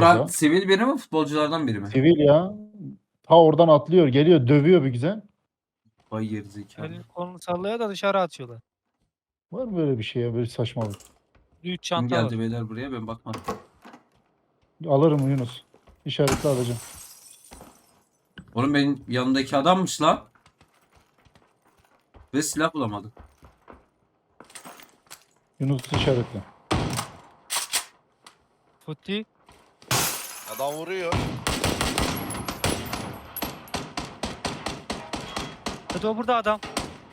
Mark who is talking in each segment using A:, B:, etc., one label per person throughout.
A: Vuran
B: ya.
A: sivil biri mi, futbolculardan biri mi?
B: Sivil ya. Ta oradan atlıyor, geliyor, dövüyor bir güzel.
A: Vay gerizekalı.
C: Elini kolunu sallaya da dışarı atıyorlar.
B: Var mı böyle bir şey ya, böyle saçmalık?
C: 3
A: Kim
C: çanta var.
A: geldi beyler buraya, ben bakmadım.
B: Alırım Yunus. İşaretle alacağım.
A: Oğlum benim yanımdaki adammış lan. Ve silah bulamadım.
B: Yunus işaretle.
C: Futi.
D: Adam vuruyor.
C: Hadi o burada adam.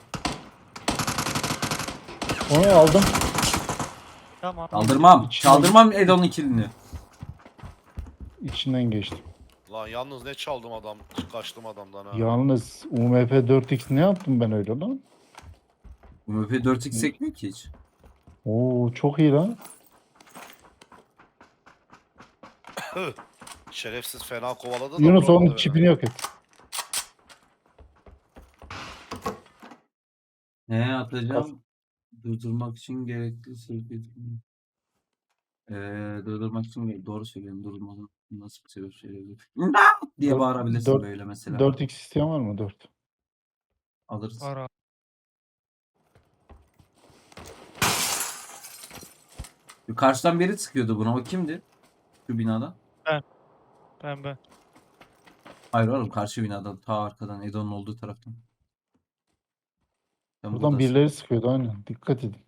B: Onu aldım.
C: Tamam.
A: Çaldırmam.
B: İçinden-
A: Çaldırmam Edon'un kilini.
B: İçinden geçtim.
D: Lan yalnız ne çaldım adam. Kaçtım adamdan ha.
B: Yalnız UMP 4X ne yaptım ben öyle lan?
A: Bu MP 4X sekmiyor ki hiç.
B: Oo çok iyi lan.
D: Şerefsiz fena kovaladı da.
B: Yunus
D: vuramadı
B: onun
D: beni.
B: çipini yok et.
A: Ne atacağım? Durdurmak için gerekli sebep. Durdurmak için doğru söylüyorum. Durdurmadan nasıl bir sebep söyleyebilir? Diye
B: Dört-
A: bağırabilirsin
B: dört-
A: böyle mesela.
B: 4X isteyen var mı? 4.
A: Alırız.
C: Ara.
A: Karşıdan biri sıkıyordu buna. O kimdi? Şu binada.
C: Ben.
A: Hayır oğlum, karşı binada. Ta arkadan. Edon'un olduğu taraftan. Sen
B: Buradan
A: buradasın.
B: birileri sıkıyordu aynen. Dikkat edin.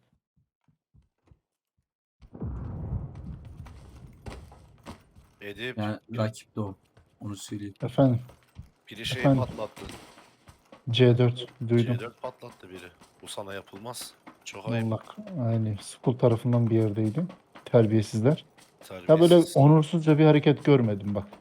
D: Edip
A: Yani rakip de o. Onu söyleyeyim.
B: Efendim
D: biri şeyi
B: efendim.
D: patlattı.
B: C4 duydum.
D: C4 patlattı biri. Bu sana yapılmaz. Çok ayıp.
B: Allah yani school tarafından bir yerdeydim. Terbiyesizler. Ya böyle
D: Terbiyesiz.
B: onursuzca bir hareket görmedim bak.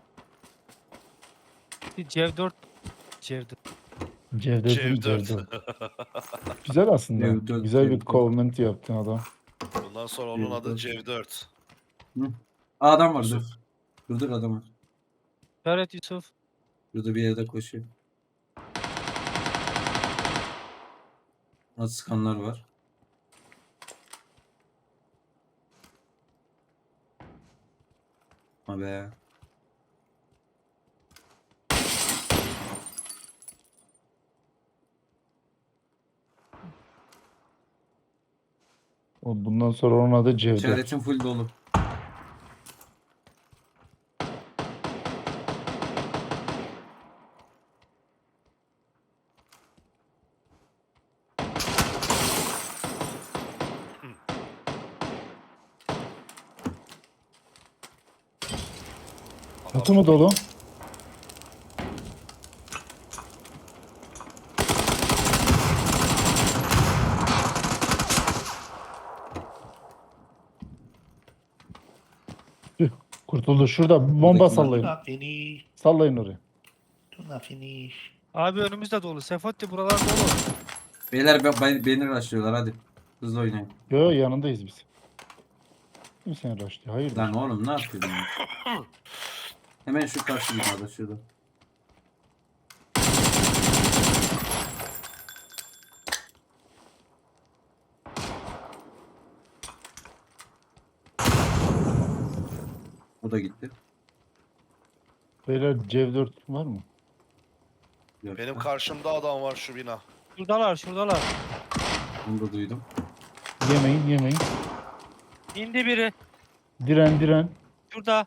C: Cev4. Cev4.
B: Cevdet'in
D: C4.
B: C4. Güzel aslında.
A: C4,
B: Güzel bir
A: C4.
B: comment yaptın adam.
D: Bundan sonra onun adı
A: C4.
D: C4.
A: Aa, adam var.
D: Yusuf.
A: Dur adam var.
C: İşaret Yusuf.
A: Burada bir yerde koşuyor. Az sıkanlar var. Ha be.
B: Bundan sonra onun adı Cevdet.
A: İşaretim full dolu.
B: Çatı mı dolu? Tüh, kurtuldu. Şurada bir bomba
A: Buradaki
B: sallayın.
E: Do not finish.
B: Sallayın oraya.
E: Do not finish.
C: Abi önümüzde dolu. Sefoti buralar dolu.
A: Beyler beni rushlıyorlar, hadi. Hızlı oynayın.
B: Yo yanındayız biz. Kim seni raşlıyor? Hayırdır?
A: Lan oğlum ne yapıyorsun ya? Hemen şu karşı binada şurada. O da gitti.
B: Beyler Cev4 var mı?
A: Yok.
D: Benim karşımda adam var şu bina.
C: Şuradalar.
A: Bunu da duydum.
B: Yemeyin.
C: İndi biri.
B: Diren.
C: Şurada.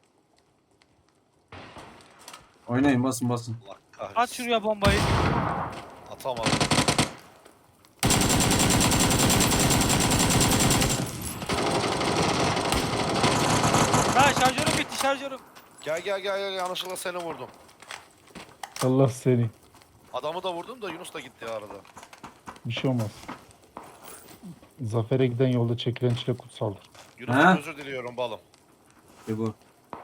A: Oynayın, basın.
D: Allah
C: At
D: kahretsin.
C: şuraya bombayı.
D: Atamadım.
C: Ha şarjörüm bitti şarjörüm.
D: Gel yanlışlıkla seni vurdum.
B: Allah seni.
D: Adamı da vurdum da Yunus da gitti arada.
B: Bir şey olmaz. Zafer'e giden yolda çekilen çile kutsaldır.
D: Yunus
A: Ha?
D: özür diliyorum balım.
A: Ve bu.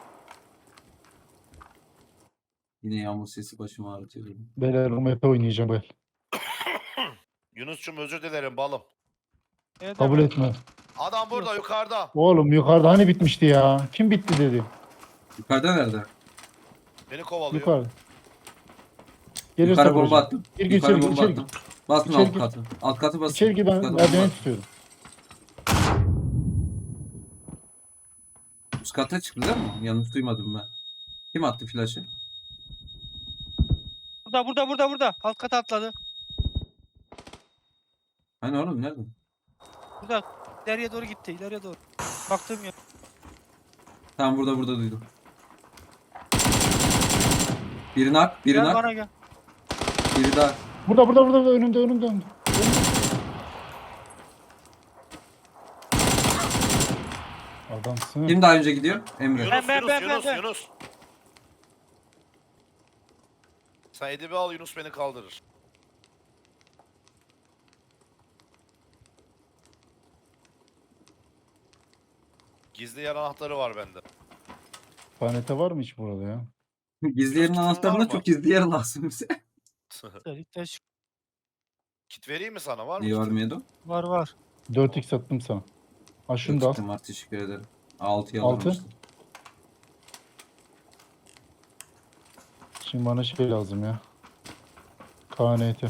A: Yine yağmur sesi başımı ağrıtıyor.
B: Beyler UMP oynayacağım ben.
D: Yunus'cum özür dilerim balım.
C: Ne
B: Kabul
C: demek?
B: etme.
D: Adam burada yukarıda.
B: Oğlum yukarıda hani bitmişti ya? Kim bitti dedi.
A: Yukarıda nerede?
D: Beni kovalıyor.
B: Yukarıda. Gelirse
A: Yukarı bomba
B: vuracağım.
A: attım.
B: Gir,
A: Yukarı
B: içeri gir,
A: bomba
B: içeri
A: attım. Basın
B: İçeri
A: alt
B: gir.
A: katı. Alt katı basın.
B: İçeri gir, ben
A: Yukarı bomba
B: merdiveni
A: attım.
B: tutuyorum.
A: Üst kata çıktı değil mi? Yanlış duymadım ben. Kim attı flaşı?
C: Burada. Alt kata atladı.
A: Hani oğlum nerede?
C: Burada. İleriye doğru gitti. İleriye doğru. Baktığım yer.
A: Tamam burada duydum. Biri nak, biri
C: Gel
A: nak,
C: bana gel.
A: biri daha.
B: Burada önümde. Adamsın.
A: Kim daha önce gidiyor? Emre.
D: Yunus,
C: Ben.
D: Yunus. Sen Edip'i al, Yunus beni kaldırır. Gizli yer anahtarı var bende.
B: Panete var mı hiç burada ya?
A: Gizli yerin
D: Kitin var
A: anahtarına
D: mı?
A: çok gizli yer lazım bize.
D: Kit vereyim mi sana? Var mı
A: Niye
D: kitin?
A: vermiyordu?
C: Var.
B: 4x attım sana. Ha şunu da al.
A: Kitim var, teşekkür ederim. 6'yı
B: Altı.
A: alırım işte.
B: Şimdi bana şey lazım ya. KNT.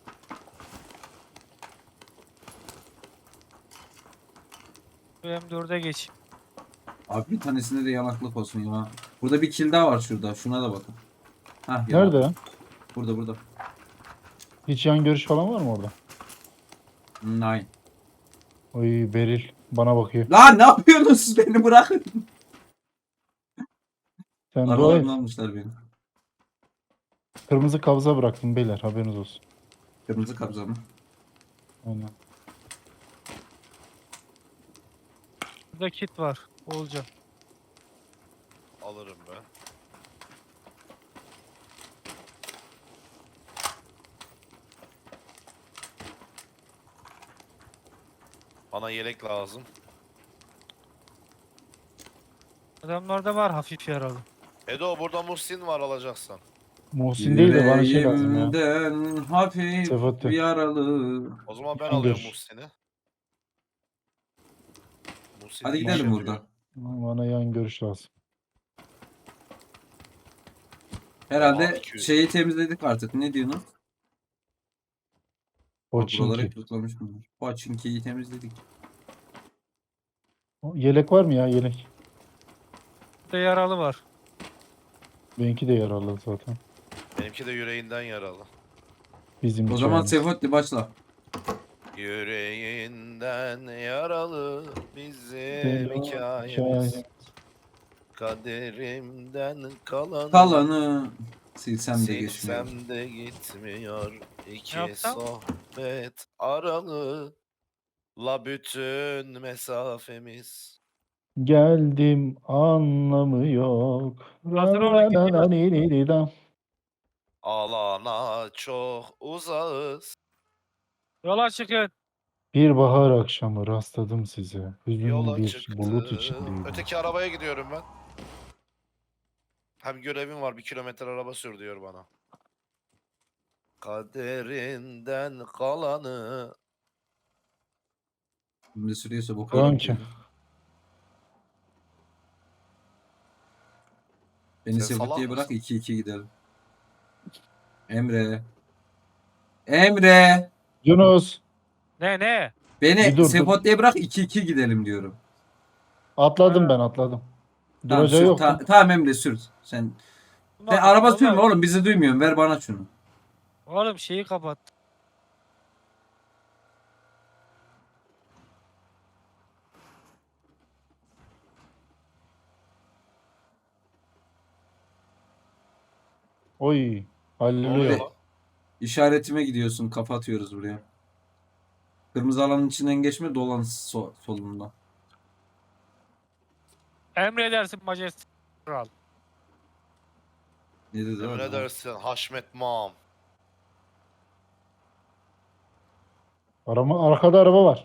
C: M4'e geç.
A: Abi bir tanesinde de yanaklık olsun ya. Burada bir kill daha var şurada. Şuna da bakın. Hah,
B: Nerede ya?
A: Burada.
B: Hiç yan görüş falan var mı orada?
A: Nine.
B: Oy Beril bana bakıyor.
A: Lan ne yapıyorsunuz siz, beni bırakın.
B: Sen dua et.
A: Aralarını almışlar beni.
B: Kırmızı kabza bıraktım beyler haberiniz olsun.
A: Kırmızı kabza mı?
B: Aynen.
C: Burada kit var. Olacak.
D: Alırım ben. Bana yelek lazım.
C: Adamlarda var hafif yaralı.
D: Edo burada Muhsin var alacaksan.
B: Muhsin değil de bana şey lazım ya.
A: Yüreğimden hafif
B: Sefat'ı.
A: yaralı.
D: O zaman ben
B: Yan
D: alıyorum
B: gör.
D: Muhsin'i. Muhsin
A: Hadi
D: iyi
A: gidelim
D: iş
A: buradan.
D: yapıyor.
B: Bana yan görüş lazım.
A: Herhalde
D: Aa, 200.
A: şeyi temizledik artık. Ne diyorsun? Buraları
B: Poçinki.
A: kırıklamış bunlar. Poçinki'yi temizledik.
B: Yelek var mı ya yelek?
C: Burada yaralı var.
B: Benimki de yaralı zaten.
D: Benimki de yüreğinden yaralı.
B: Bizim
A: O zaman
B: hikayemiz.
A: Sefotti başla.
D: Yüreğinden yaralı bizim
B: Helal
D: hikayemiz.
B: hikayemiz.
D: Kaderimden kalanı,
A: Kalanı silsem de geçmiyor.
D: silsem de gitmiyor. İki
C: yapsam?
D: sohbet aralı la bütün mesafemiz.
B: Geldim anlamı yok.
C: Hazır olun, gidiyor.
D: Alana çok uzağız.
C: Yola çıkın.
B: Bir bahar akşamı rastladım size. Hüzünlü
D: Yola
B: bir bulut
D: çıktım.
B: içindeydim.
D: Öteki arabaya gidiyorum ben. Hem görevim var, 1 kilometre araba sür diyor bana. Kaderinden kalanı.
A: Şimdi sürüyorsa bu
B: Kanki.
A: kadar. Beni
D: Sen salak
A: Sefotti'ye bırak,
D: mısın?
A: 2-2 gidelim. Emre. Emre.
B: Yunus
C: Ne?
B: Bir
A: Beni
B: dur, dur.
A: Sefotti'ye bırak, 2-2 gidelim diyorum.
B: atladım ben atladım.
A: Tamam
B: Duracağı
A: sür.
B: yok.
A: Tamam Emre sür. Sen araba sürme oğlum, bizi duymuyorsun. Ver bana şunu.
C: Oğlum şeyi kapat.
B: Oy.
D: Ne
B: Halleluya.
D: oluyor lan?
A: İşaretime gidiyorsun. Kafa atıyoruz buraya. Kırmızı alanın içinden geçme, dolan solunda.
C: Emredersin majesteleri kral.
A: Ne dedi
D: Emin
A: adam?
D: edersin Haşmet Mam.
B: Arkada araba var.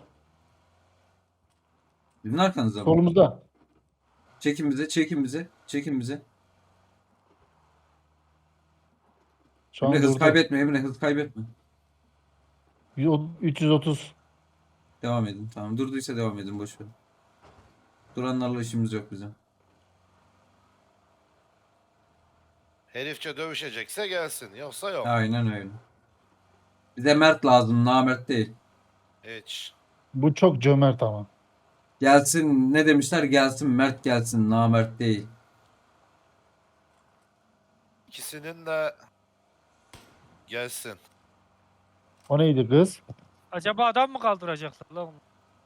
A: Sizin arkanızda mı?
B: Solumuzda.
A: Çekin bize, çekin bize, çekin bize.
B: Şu an
A: Emre hız
B: durdu.
A: kaybetme, Emre hız kaybetme.
B: 330.
A: Devam edin. Tamam, durduysa devam edin, boş ver. Duranlarla işimiz yok bizim.
D: Herifçe dövüşecekse gelsin. Yoksa yok.
A: Aynen öyle. Bize mert lazım, namert değil.
D: Hiç.
B: Bu çok cömert ama.
A: Gelsin ne demişler? Gelsin Mert gelsin. Namert değil.
D: İkisinin de gelsin.
B: O neydi kız?
C: Acaba adam mı kaldıracaklar lan?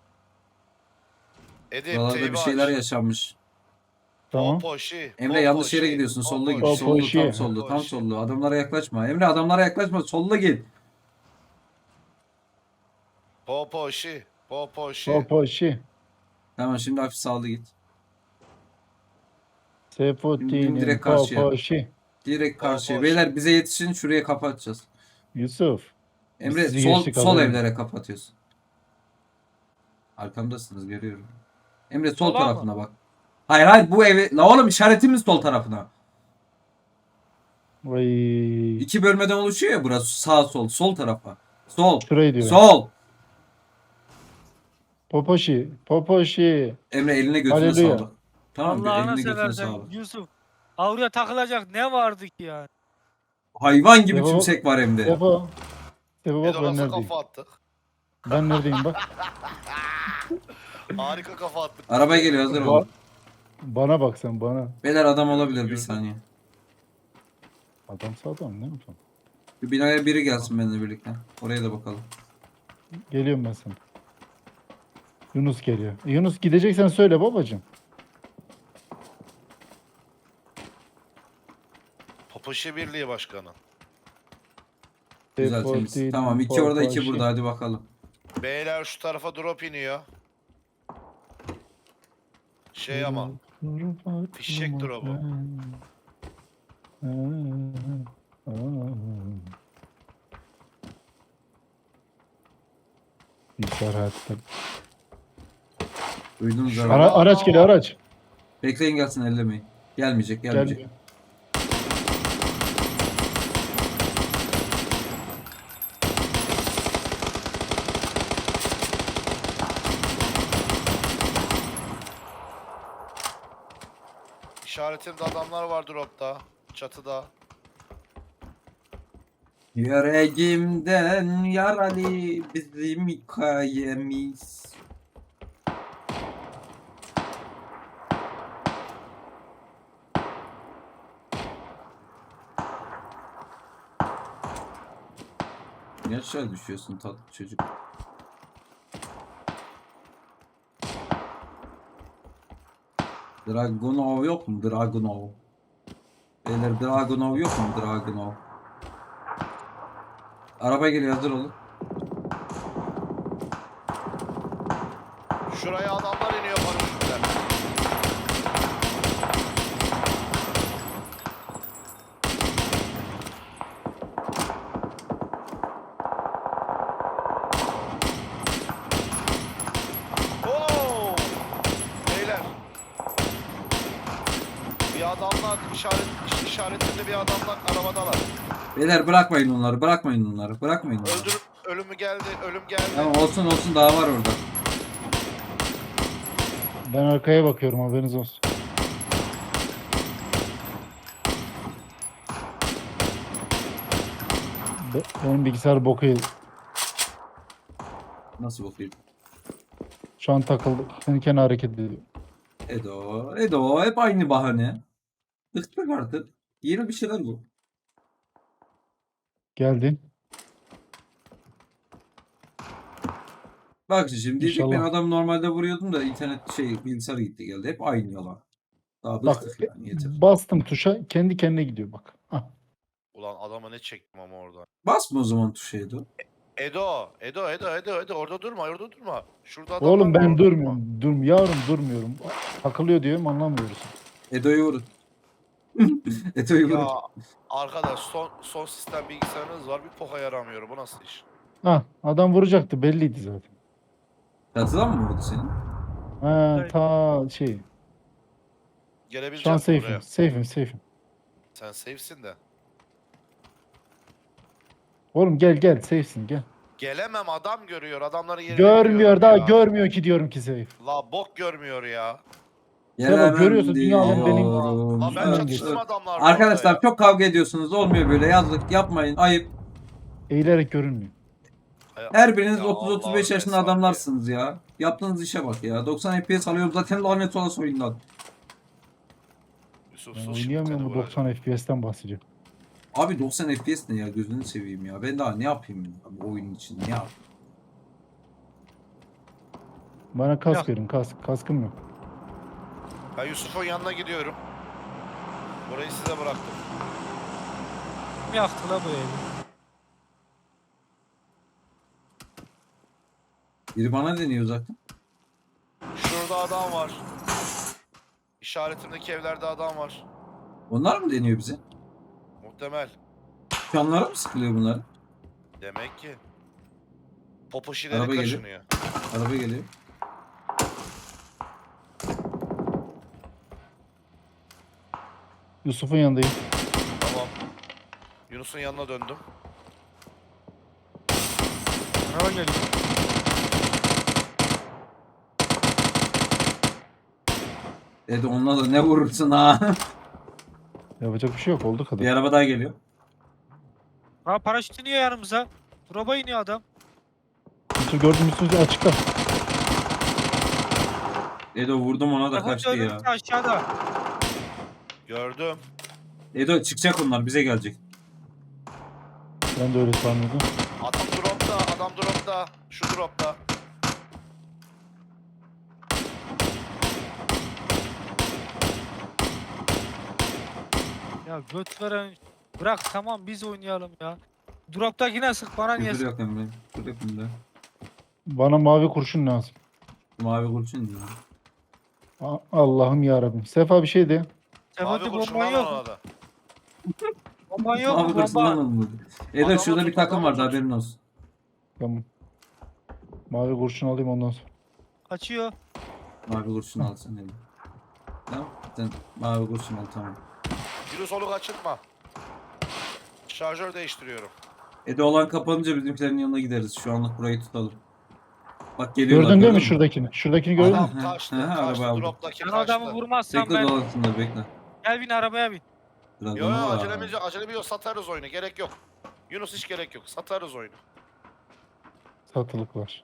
D: Edip
A: Buralarda
D: teybi
A: bir şeyler
D: aç.
A: yaşanmış.
B: Tamam.
D: Popoşi.
A: Emre yanlış yere gidiyorsun. Solda git.
D: Popoşi.
A: Solda tam
B: Popoşi.
A: solda. Tam
D: Popoşi.
A: solda. Adamlara yaklaşma. Emre adamlara yaklaşma. Solda git.
D: Popoşi. Popoşi.
B: Popoşi.
A: Tamam şimdi hafif sağlı git.
B: Sefotinin
A: direkt karşıya.
B: Popoşi.
A: Direkt karşıya.
D: Popoşi.
A: Beyler bize yetişin. Şuraya kapatacağız.
B: Yusuf.
A: Emre
B: sizi
A: sol
B: geçtik
A: sol
B: haberin
A: evlere kapatıyorsun. Arkamdasınız görüyorum. Emre sol
C: Sola mı?
A: tarafına bak. Hayır hayır bu evi. La oğlum işaretimiz sol tarafına.
B: Vay.
A: İki bölmeden oluşuyor ya burası. Sağ sol. Sol tarafa. Sol.
B: Şurayı diyor.
A: Sol.
B: Popoşi. Popoşi.
A: Emre eline götüne
B: Haleluya.
A: sağlık. Tamam mı?
C: Allah'ını
A: Eline götüne
C: seversen
A: sağlık.
C: Yusuf. Avruya takılacak ne vardı ki yani?
A: Hayvan gibi
B: Sefo-
A: tümsek var hem de.
B: Sefo. Sefo bak
D: Edo
B: ben
D: nasıl
B: neredeyim.
D: kafa attık?
B: Ben neredeyim bak.
D: Harika kafa attık.
A: Araba geliyor hazır
B: Ba-
A: olun.
B: Bana bak sen bana.
A: Beyler adam olabilir bir
D: Gördüm.
A: saniye.
B: Adamsa adam ne yapalım.
A: Bir binaya biri gelsin benimle birlikte. Oraya da bakalım.
B: Geliyorum ben sana. Yunus geliyor. Yunus gideceksen söyle babacığım.
D: Popoşi Birliği Başkanı.
A: Güzel temiz.
B: Sefotinin
A: Tamam iki orada iki
B: Popoşi.
A: burada hadi bakalım.
D: Beyler şu tarafa drop iniyor. Şey ama. Fişek drop'u.
B: Bilgisayar hayatta.
A: Duydunuz
D: Şu
A: araba.
B: Araç geliyor araç.
A: Bekleyin gelsin ellemeyin. Gelmeyecek gelmeyecek.
B: Gelmiyor.
D: İşaretimde adamlar var dropta. Çatıda.
A: Yüreğimden yaralı bizim hikayemiz. Niye aşağı düşüyorsun tatlı çocuk? Dragunov yok mu? Dragunov. Beyler Dragunov yok mu? Dragunov. Araba geliyor hazır olun.
D: Şuraya adamlar iniyor paraşütle. Oo! Beyler. Bir adamlar işaretinde bir adamlar arabadalar.
A: Beyler bırakmayın onları, bırakmayın onları, bırakmayın onları.
D: Öldürüp ölümü geldi, ölüm geldi.
A: Tamam olsun olsun daha var orada.
B: Ben arkaya bakıyorum haberiniz olsun. Benim bilgisayar boku yedi.
A: Nasıl bakayım?
B: Şu an takıldı. Kendi kendine hareket ediyor.
A: Edo hep aynı bahane. Bıktık artık. Yeni bir şeyler bu.
B: Geldin.
A: Bak şimdi diyecek ben
B: İnşallah.
A: adam normalde vuruyordum da internet bilgisayar gitti geldi. Hep aynı yalan. Daha
B: Bak
A: bıktık yani yeter.
B: bastım tuşa kendi kendine gidiyor bak. Ah.
D: Ulan adama ne çektim ama orada.
A: Basma o zaman tuşa Edo.
D: Edo orada durma, orada durma. Şurada adam
B: Oğlum
D: var,
B: ben
D: orada durma.
B: durmuyorum. Yavrum durmuyorum. Takılıyor diyorum anlamıyoruz.
A: Edo'yu vurun. Edo'yu vurun.
D: Ya arkadaş son sistem bilgisayarınız var, bir poka yaramıyor. Bu nasıl iş?
B: Ha adam vuracaktı belliydi zaten.
A: Çatıdan mı vurdu seni?
B: Ha
C: Evet.
B: ta şey. Şu an
D: Gelebilecek misin
B: safe'im.
D: buraya?
B: Safe'im.
D: Sen safe'sin de.
B: Oğlum gel safe'sin gel.
D: Gelemem, adam görüyor. Adamların yerini
B: Görmüyor
D: biliyorum
B: daha
D: ya.
B: görmüyor ki diyorum ki safe.
D: La bok görmüyor ya.
B: Sen bak görüyorsun, dünya alem benim.
A: diyorum.
D: La ben
B: Evet.
D: çatıştım adamlarla.
A: Arkadaşlar
D: orada ya.
A: çok kavga ediyorsunuz. Olmuyor böyle yazlık yapmayın. Ayıp.
B: Eğilerek görünmüyor.
A: Her biriniz
D: Ya
A: 30-35
D: Allah'ım
A: yaşında
D: mesafe.
A: adamlarsınız ya. Yaptığınız işe bak ya. 90 FPS alıyorum zaten lanet olası oyundan.
D: Yusuf
B: Ben
D: sus şimdi
B: oynayamıyorum
D: seni
B: bu
D: vuracağım.
B: 90 FPS'ten bahsediyor.
A: Abi 90 FPS ne ya, gözünü seveyim ya. Ben daha ne yapayım ya bu oyun için, ne yapayım?
B: Bana kask
C: Yok.
B: verin kask. Kaskım yok.
D: Ben Yusuf'un yanına gidiyorum. Burayı size bıraktım.
C: Kim yaktı la bu evi?
A: Biri bana deniyor zaten.
D: Şurada adam var. İşaretimdeki evlerde adam var.
A: Onlar mı deniyor bize?
D: Muhtemel.
A: Canlara mı sıkılıyor bunlar?
D: Demek ki. Popoşileri
A: Araba geliyor.
D: kaşınıyor.
A: Araba geliyor.
B: Yusuf'un yanındayım.
D: Tamam. Yunus'un yanına döndüm.
C: Araba geliyor.
A: Dedi onunla da ne vurursun ha?
B: Yapacak bir şey yok. Oldu kadar.
A: Bir araba daha geliyor.
C: Ha paraşüt iniyor yanımıza. Drop'a iniyor adam.
B: Yusuf gördüm Yusuf açıkta.
A: Edo vurdum ona da
C: Telefon
A: kaçtı ya.
C: önümüzde aşağıda.
D: Gördüm.
A: Edo çıkacak onlar, bize gelecek.
B: Ben de öyle sanıyordum.
D: Adam dropta. Adam dropta. Şu dropta.
C: Ya göt veren. Bırak tamam biz oynayalım ya. Drop'takine sık bana niye
A: Küfür
C: sık?
A: yok Emre. Küfür yok bunda.
B: Bana mavi kurşun lazım.
A: Mavi kurşun diyor.
B: Allah'ım yarabbim. Sefa bir şey de.
C: Sefati
D: Abi
C: bomban
D: kurşundan
C: yok mu?
D: ona da.
C: Bomban yok mu
A: Mavi kurşundan
C: bomba?
A: alınmadı. Edo
D: Adamı
A: şurada bir
D: tut,
A: takım
D: adamı
A: vardı,
D: tut.
A: haberin olsun.
B: Tamam. Mavi kurşun alayım ondan sonra.
C: Kaçıyor.
A: Mavi kurşun al sen Edo. Tamam. Sen mavi kurşun al, tamam.
D: Yunus onu kaçırtma. Şarjör değiştiriyorum.
A: Edo olan kapanınca bizimkilerin yanına gideriz. Şu anlık burayı tutalım. Bak geliyorlar.
B: Gördün değil mi
A: mü?
B: şuradakini? Şuradakini gördün mü?
A: Aha.
D: Adam kaçtı.
A: Hı hı, araba
D: Kaçtı.
A: aldım.
D: Droptaki
C: Ben
D: kaçtı.
C: adamı vurmazsam
A: Bekle
C: ben.
A: dolasınlar, bekle.
C: Gel bin arabaya bin.
A: Biraz
D: Yo
A: ona
D: yo
A: var.
D: acelemiz yok. Satarız oyunu. Gerek yok. Yunus hiç gerek yok. Satarız oyunu.
B: Satılık var.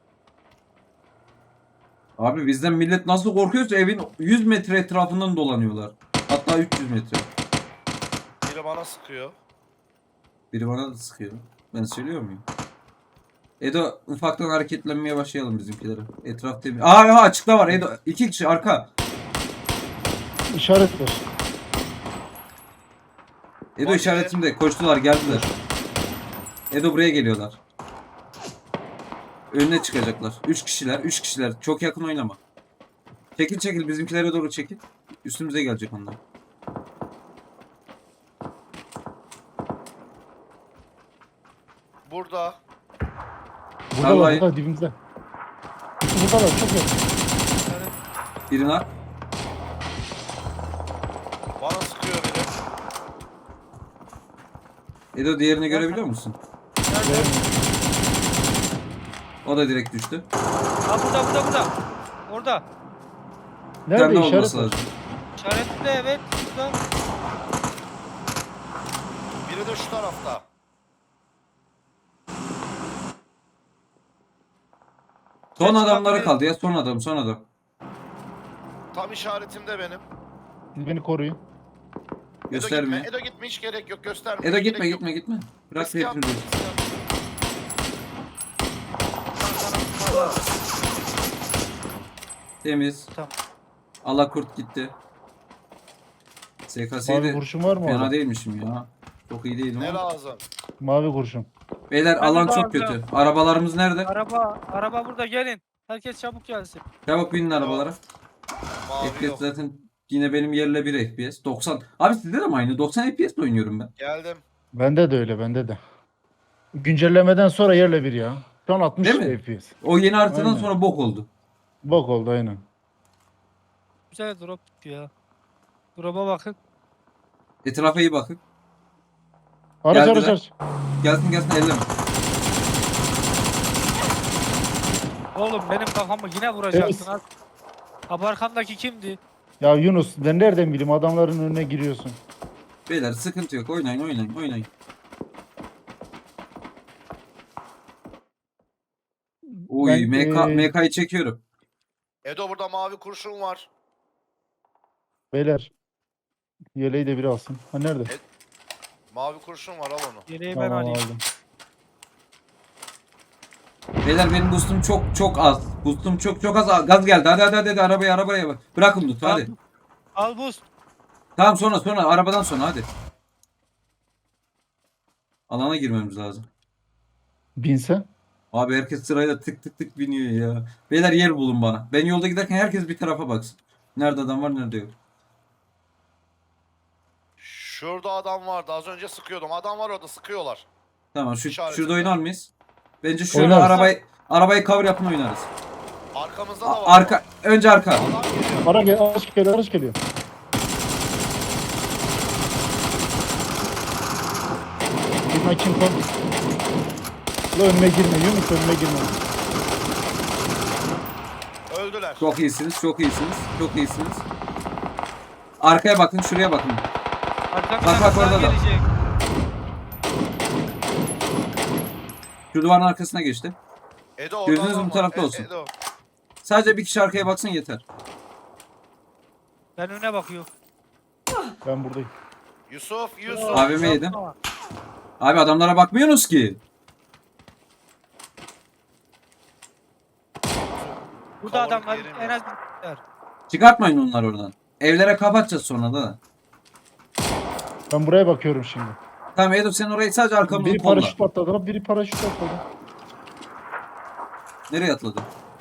A: Abi bizden millet nasıl korkuyorsa evin 100 metre etrafından dolanıyorlar. Hatta 300 metre.
D: Biri bana sıkıyor.
A: Biri bana da sıkıyor. Ben söylüyor muyum? Edo ufaktan hareketlenmeye başlayalım bizimkilere. Etraf temiz. Aa açıkta var Edo. 2 kişi arka.
B: İşaret ver.
A: Edo
D: Bak,
A: işaretimde. Koştular, geldiler. Edo buraya geliyorlar. Önüne çıkacaklar. 3 kişiler. 3 kişiler. Çok yakın oynama. Çekil çekil, bizimkilere doğru çekil. Üstümüze gelecek onlar.
D: Burada.
B: Buradalar
A: Vallahi-
B: burada dibimizde. Buradalar çok yakın.
A: Birini at.
D: Bana sıkıyor biri.
A: Edo diğerini görebiliyor musun? O da direkt düştü.
C: Ha burada. Orada.
A: Bir tane
B: Nerede
A: daha olması
B: işaret ver?
A: lazım.
C: İşaretli evet. Burada.
D: Biri de şu tarafta.
A: Son
C: Geç
A: adamlara
C: bak,
A: kaldı ya. Son adam, son adam.
D: Tam işaretimde benim.
B: Siz beni koruyun.
A: Gösterme.
D: Edo gitme hiç gerek yok gösterme.
A: Edo
D: hiç
A: gitme,
D: gerek yok.
A: gitme, gitme. Bırak
D: Riske atma,
A: hepimizi.
D: riske atma.
A: Temiz.
C: Tamam.
A: Allah kurt gitti.
B: Mavi
A: SKS'yi de
B: kurşun var mı
A: fena
B: orada?
A: değilmişim ya. Çok iyi değilim
D: Ne
A: ama.
D: lazım?
B: Mavi kurşun.
A: Beyler
C: Ben
A: alan
C: de
A: çok
C: alacağım.
A: kötü. Arabalarımız nerede?
C: Araba burada gelin. Herkes çabuk gelsin.
A: Çabuk binin arabalara.
D: Mavi
A: FPS
D: yok.
A: zaten yine benim yerle 1 FPS. 90. Abi sizde de mi aynı? 90 FPS oynuyorum ben.
D: Geldim.
B: Bende de öyle bende de. Güncellemeden sonra yerle bir ya. Şu an 60
A: Değil mi?
B: FPS.
A: O yeni haritadan
B: Aynen.
A: sonra bok oldu.
B: Bok oldu aynen.
C: Güzel drop ya. Drop'a bakın.
A: Etrafa iyi bakın.
B: Araç
A: Geldiler.
B: araç.
A: Gelsin gelsin, elleme.
C: Oğlum benim kafamı yine vuracaksın.
B: Evet.
C: Abi arkandaki kimdi?
B: Ya Yunus ben nereden bileyim adamların önüne giriyorsun.
A: Beyler sıkıntı yok. Oynayın oynayın oynayın. Oy
B: Ben,
A: MK'yı çekiyorum.
D: Edo burada mavi kurşun var.
B: Beyler. Yeleği de biri alsın. Ha nerede?
D: Mavi kurşun var, al onu.
C: Yeleği ben
B: Tamam
C: alayım.
B: aldım.
A: Beyler benim boostum çok az. Boostum çok az. Gaz geldi. Hadi arabaya bak. Bırakın lütfen hadi.
C: Al boost.
A: Tamam sonra arabadan sonra hadi. Alana girmemiz lazım.
B: Binse.
A: Abi herkes sırayla tık tık tık biniyor ya. Beyler yer bulun bana. Ben yolda giderken herkes bir tarafa baksın. Nerede adam var nerede yok.
D: Şurada adam vardı, az önce sıkıyordum. Adam var orada, sıkıyorlar.
A: Tamam
D: İşaretinde.
A: şurada oynar mıyız? Bence şurada
B: Oynarız.
A: arabayı cover yapın oynarız.
D: Arkamızda da var.
A: Önce arka.
D: Adam geliyor.
B: Araç geliyor. Girme kim kon? La önüme girme Yunus önüme girme.
D: Öldüler.
A: Çok iyisiniz. Arkaya bakın, şuraya bakın.
C: Arkamdan
A: Bak, orada da.
C: gelecek.
A: Şu duvarın arkasına geçti.
D: Edo orada
A: Gözünüz
D: adam
A: bu
D: var.
A: tarafta olsun.
D: Edo.
A: Sadece bir kişi arkaya baksın yeter.
C: Ben öne bakıyorum.
B: Ben buradayım.
D: Yusuf.
A: AVM yedim. Abi adamlara bakmıyorsunuz ki.
C: Burada
D: Kavuruk
C: adamlar
D: yerim
C: en
D: ya.
C: az bir.
A: Çıkartmayın onları oradan. Evlere kapatacağız sonra da.
B: Ben buraya bakıyorum şimdi.
A: Tamam Edo sen orayı sadece arkamızdan
B: Biri
A: kolla.
B: paraşüt atladı. Biri paraşüt atladı.
A: Nereye atladı?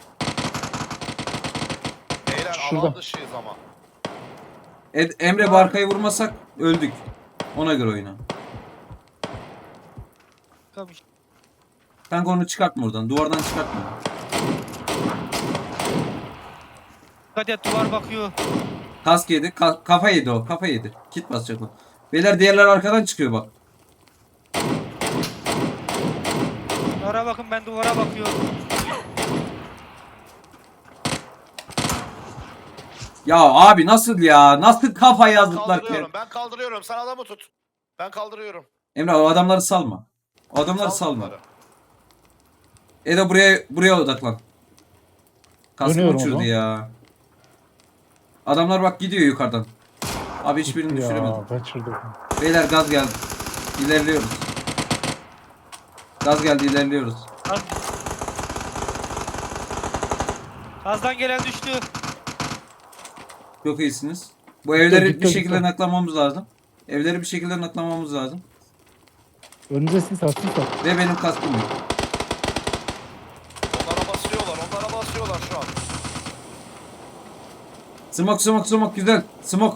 D: Beyler
B: Şurada.
D: alan dışıyız ama.
A: Emre bu arkayı vurmasak öldük. Ona göre oyna.
C: Kamış.
A: Kanka onu çıkartma oradan. Duvardan çıkartma.
C: Dikkat et duvar bakıyor.
A: Kask yedi. Kafa yedi o. Kafa yedi. Kit basacak o. Beyler diğerler arkadan çıkıyor bak.
C: Duvara bakın ben duvara bakıyorum.
A: Ya abi nasıl ya? Nasıl kafa yazdılar ki?
D: Ben kaldırıyorum. Sen adamı tut. Ben kaldırıyorum.
A: Emre o adamları salma. O adamları
D: Sal
A: salma.
D: bunları.
A: Edo buraya odaklan. Kaskı
B: Dönüyorum o
A: uçurdu
B: zaman.
A: ya. Adamlar bak gidiyor yukarıdan. Abi hiçbirini düşüremedim.
B: Ya kaçırdık.
A: Beyler gaz geldi. İlerliyoruz. Gaz geldi ilerliyoruz.
C: Gaz. Gazdan gelen düştü.
A: Çok iyisiniz. Bu evleri
B: gitti,
A: bir şekilde
B: gitti.
A: naklamamız lazım. Evleri bir şekilde naklamamız lazım.
B: Önünüze sis at.
A: Ve benim kaskım yok.
D: Onlara basıyorlar şu an.
A: Smoke güzel. Smoke.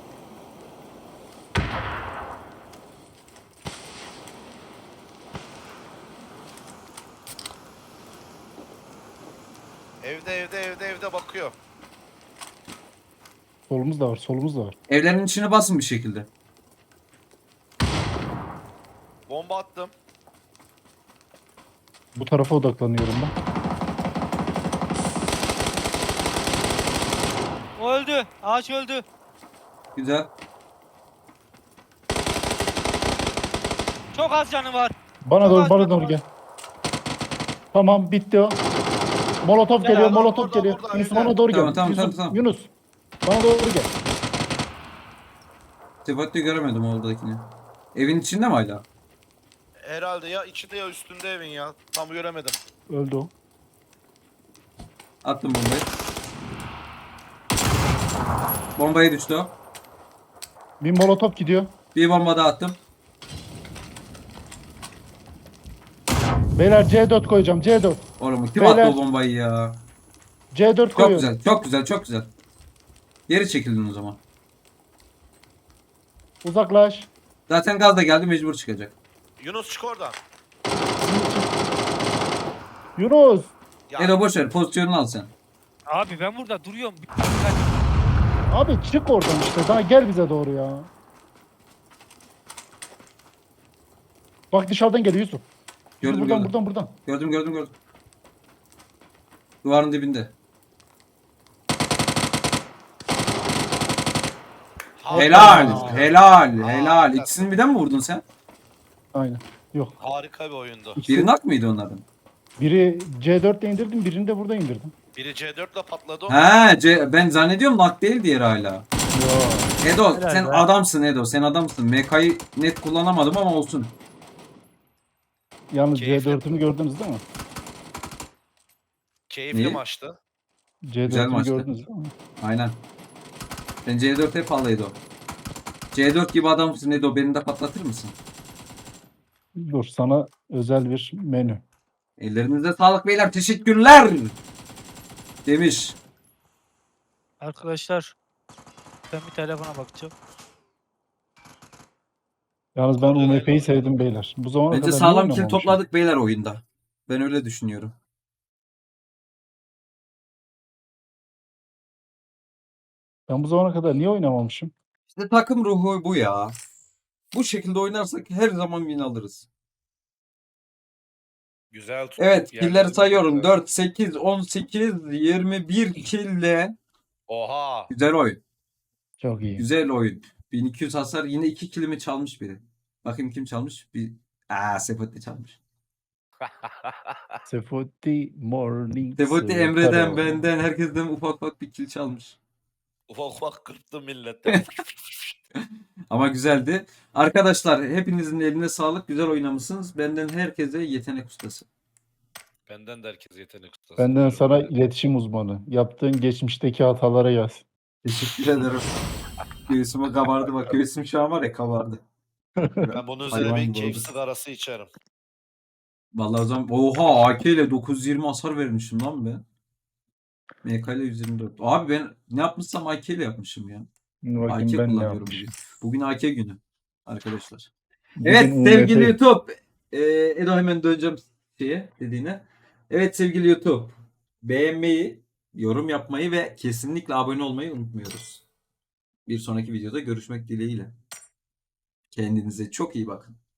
D: Evde bakıyor.
B: Solumuz da var.
A: Evlerin içine basın bir şekilde.
D: Bomba attım.
B: Bu tarafa odaklanıyorum ben.
C: O öldü. Ağaç öldü.
A: Güzel.
C: Çok az canı var.
B: Bana doğru gel. Tamam bitti o. Molotov
C: Gel
B: geliyor,
C: abi,
B: Molotov
D: burada,
B: geliyor.
D: burada,
B: Yunus
D: evde.
B: bana doğru
A: Tamam,
B: gel.
A: tamam,
B: Yusuf,
A: tamam.
B: Yunus. Bana doğru gel.
A: Tefat'ı göremedim oradakini. Evin içinde mi hala?
D: Herhalde ya içinde ya üstünde evin ya. Tam göremedim.
B: Öldü o.
A: Attım bombayı. Bombaya düştü o.
B: Bir Molotov gidiyor.
A: Bir bomba daha attım.
B: Beyler C4 koyacağım. C4.
A: Oğlum kim
B: Beyler.
A: attı o bombayı ya?
B: C4
A: Çok
B: koyuyorum.
A: güzel. Çok güzel. Geri çekildin o zaman.
B: Uzaklaş.
A: Zaten gaz da geldi mecbur çıkacak.
D: Yunus çık oradan.
B: Yunus.
D: Ya,
A: Edo boş ver pozisyonunu al sen.
C: Abi ben burada duruyorum.
B: Abi çık oradan işte. Daha gel bize doğru ya. Bak dışarıdan geliyor Yusuf.
A: Gördüm,
B: buradan,
A: gördüm.
B: buradan.
A: Gördüm. Duvarın dibinde. Helal. İkisini birden mi vurdun sen?
B: Aynen. Yok.
D: Harika bir oyundu.
A: Biri nak mıydı onların?
B: Biri C4'le indirdim, birini de burada indirdim.
D: Biri C4 ile patladı.
A: Ben zannediyorum nak değil diğeri hala.
B: Yo.
A: Edo
C: Helal
A: sen
C: be.
A: adamsın Edo. Sen adamsın. MK'yı net kullanamadım ama olsun.
B: Yalnız
D: Keyifli.
B: C4'ümü gördünüz değil mi?
D: Keyifli
A: Neyi?
D: maçtı.
B: C4'ümü
A: maçtı.
B: gördünüz değil mi?
A: Aynen. Sen C4 hep al Edo. C4 gibi adamsın Edo. Beni de patlatır mısın?
B: Dur sana özel bir menü.
A: Ellerinize sağlık beyler. Teşekkürler. Demiş.
C: Arkadaşlar ben bir telefona bakacağım.
B: Yalnız ben
D: Orada
B: UMP'yi
D: ne?
B: sevdim beyler. Bu zamana
A: Bence
B: kadar niye
A: sağlam kill
B: oynamamışım?
A: topladık beyler oyunda. Ben öyle düşünüyorum.
B: Ben bu zamana kadar niye oynamamışım?
A: İşte takım ruhu bu ya. Bu şekilde oynarsak her zaman win alırız.
D: Güzel tuttuk.
A: Evet,
D: yerlerimiz
A: killleri sayıyorum.
D: güzel.
A: 4, 8, 18, 21 kille.
D: Oha.
A: Güzel oyun.
B: Çok iyi.
A: Güzel oyun. 1200 hasar. Yine 2 killimi çalmış biri. Bakayım kim çalmış? Sefotti çalmış.
B: Sefoti Morning
A: Sefotti
B: Star.
A: Emre'den, benden, herkesten ufak ufak bir kill çalmış.
D: Ufak ufak kırptı millette.
A: Ama güzeldi. Arkadaşlar hepinizin eline sağlık. Güzel oynamışsınız. Benden herkese yetenek ustası.
D: Benden de herkes yetenek ustası.
B: Benden
D: Buyurun.
B: sana iletişim uzmanı. Yaptığın geçmişteki hatalara yaz.
A: Teşekkür ederim. Göğsüme kabardı bak. Göğsüm şu an var ya kabardı.
D: Ben bunun üzerine
A: Hayvan
D: bir
A: gibi
D: keyif
A: oldu.
D: sigarası içerim.
A: Vallahi o zaman oha AK ile 920 hasar vermişim lan ben. MK ile 124. Abi ben ne yapmışsam AK ile yapmışım ya.
B: Şimdi
A: AK
B: bakayım ben ne
A: kullanıyorum
B: yapmışım.
A: bugün. Bugün AK günü arkadaşlar.
B: Bugün
A: Evet
B: UMP.
A: sevgili YouTube. Edo hemen döneceğim dediğine. Evet sevgili YouTube. Beğenmeyi, yorum yapmayı ve kesinlikle abone olmayı unutmuyoruz. Bir sonraki videoda görüşmek dileğiyle. Kendinize çok iyi bakın.